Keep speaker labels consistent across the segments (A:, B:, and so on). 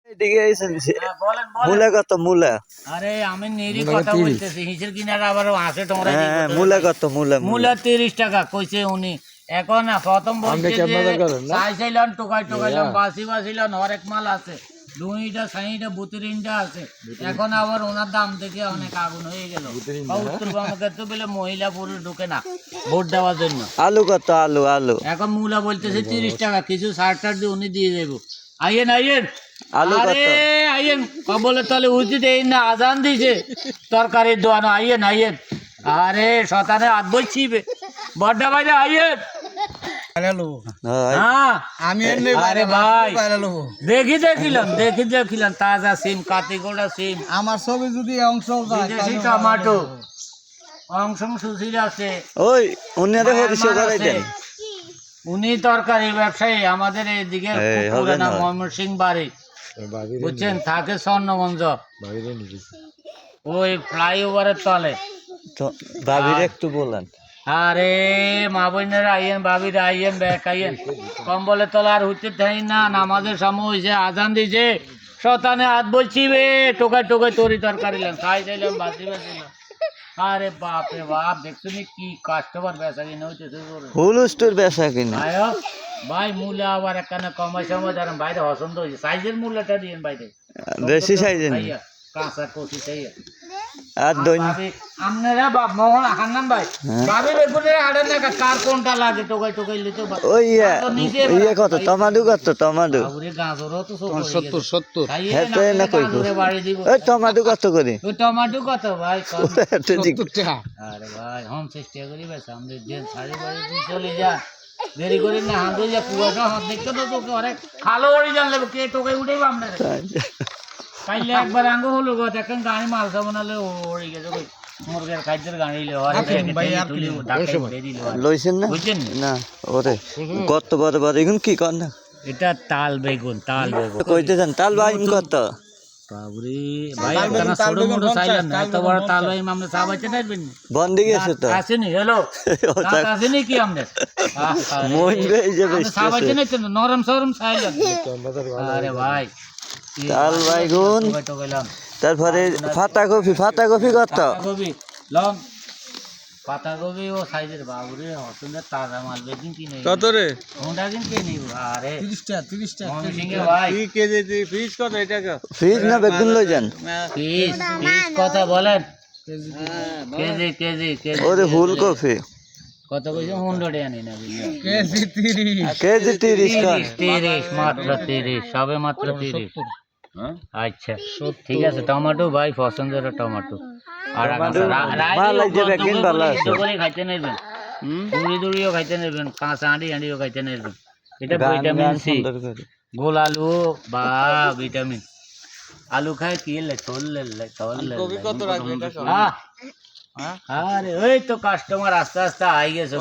A: এদিকে এসেন
B: বলেন
A: মূলা কত মূলা?
B: আরে আমি নেরি কথা বলতেছি হিসের কিনারে আবার হাসে তোমরা
A: হ্যাঁ মূলা কত মূলা?
B: মূলা 30 টাকা কইছে উনি। এখন না প্রথম বলছে চাইছিলাম টোকাইলাম বাসিলাম হরেক মাল আছে, দুইটা সাইটা বুতরিনটা আছে। এখন আবার ওনার দাম থেকে অনেক আগুন হয়ে গেল। উত্তরবঙ্গে তো বলে মহিলা পুরুষ ঢুকে না ভোট দেওয়ার জন্য।
A: আলু কত? আলু আলু
B: এখন মূলা বলতেছে 30 টাকা, কিছু সার দিয়ে উনি দিয়ে যাবো। আইয়েন
A: আলু কত?
B: আরে আইয়েন বলে তাহলে উচিত এই না আজান দিছে তরকারির দোয়ানো। আইয়েন আরে শতানে হাত বলছি বড্ডা বাইরে আইয়েন। আরে ভাই দেখিলাম তাজা সিম, কাতিগোড়া সিম,
C: আমার ছবি যদি অংশ
B: বিদেশি টমেটো, অংশ সুশীল আছে।
A: ওই উনারে হরিশো করে দেন।
B: উনি তরকারি ব্যবসায়ী, আমাদের এইদিকে পুরানা ময়মনসিং বাড়ি বুঝছেন, থাকে স্বর্ণগঞ্জ ওই ফ্লাইওভারের তলে।
A: ভাবির একটু বলেন।
B: আরে মা বোনেরা আইয়েন, ভাবিরা আইয়েন, ব্যাক আইয়েন, কম্বলে তলা আর হইতে থাই না। নামাজের সময় হয়েছে, আজান দিছে, শতানে হাত বলছি টোকায় তরি তরকারি খাইলাম বাঁচিলাম। আরে বাপ রে বাপ, দেখছো নি কি কাস্টমার বেচা কিনা হইতেছে।
A: হুলুস্টোর বেচা কিনা
B: ভাই মূল্য আবার একখানে কমাই সময় ধরেন বাইরে পছন্দ হয়েছে, সাইজের মূল্যটা দিয়েন বাইরে
A: বেশি সাইজের
B: কাঁচা কচি চাই।
A: আর দই
B: আপনারা বাপ মোহন হান্নান ভাই ভাবি বেগুনের হাড়ের না কার কোনটা লাগে টোকাই লিতে
A: ওই ইয়ে কত? টমাটো কত? টমাটো
B: ওরে গাজরও তো
C: 70
A: হ্যাঁ তো না কই
B: বাড়ি দিব।
A: ওই টমাটো কত করে?
B: ওই টমেটো কত ভাই?
C: 70 টাকা।
B: আরে ভাই হোম চেষ্টা করি ভাই, সামনে দিন সাড়ে বাড়ি দিন চলে যা, দেরি করি না। হাতে যা কুয়াশা হাত দেখতে তো তোকে অনেক খালো ওরি জানলে কে টোকাই উঠেই আপনার কাইলে একবার আঙ্গ হলো গো, এখন গাড়ি মালসা বানালে ওড়ে গেছে কই মুরগের খাদ্যের গাড়ি
A: লইছেন না? না ওরে কত বড় বড় এখন কি কর না?
B: এটা তাল বেগুন
A: কইতে যান তাল বাইম কত?
B: বাবরে ভাই একখানা ছোট মোটো চাইলেন না, এত বড় তাল বাইম আমরা চা বাইতে নাইবেন
A: বন্ধ গেছে তো
B: আসেনি। হ্যালো আসেনি কি আমাদের
A: মন এই যে
B: চা বাইতে নাইতেন নরম সরম চাইলেন। আরে ভাই
A: তাল বাইগুন, তারপরে পাতা কপি কত?
B: পাতাকপি ও সাইজের বাবুরে হসুনের তাজা মাল বেকিং কিনে
C: কত রে?
B: কোনটা কিনে নিব? আরে
C: 30 টাকা
B: ময়মনসিংহে ভাই
C: কি কেজি ফিস কত? এটা
A: ফ্রিজ না বেগুন লই যান?
B: ফিস কথা বলেন। কেজি
A: ওরে ফুলকপি
B: কত কইছো? 100 আনি না
A: কেজি 30
B: মাত্র 30, সবে মাত্র 30। আচ্ছা ঠিক আছে। টমেটো ভাই পছন্দের টমেটো আর খাইতে নেবেন, দড়িও খাইতে নেবেন, কাঁচা আঁড়িও খাইতে নেবেন। এটা ভিটামিন সি। গোল আলু বা ভিটামিন আলু খায় কি আরে ওই তো কাস্টমার আস্তে আস্তে আই গেছে,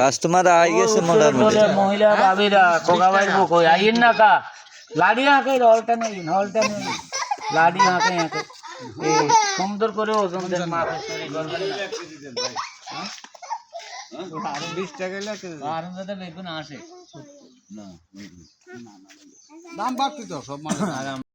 B: মহিলা ভাবিরা কোকা ভাই কই আইন না কা লাড়ি হাঁকে হলটা নেই লাড়ি হাঁকে সুন্দর করে ওজন দেন মাছ তৈরি করবেন না। 20 টাকা বেগুন আসে না, দাম বাড়তি তো সব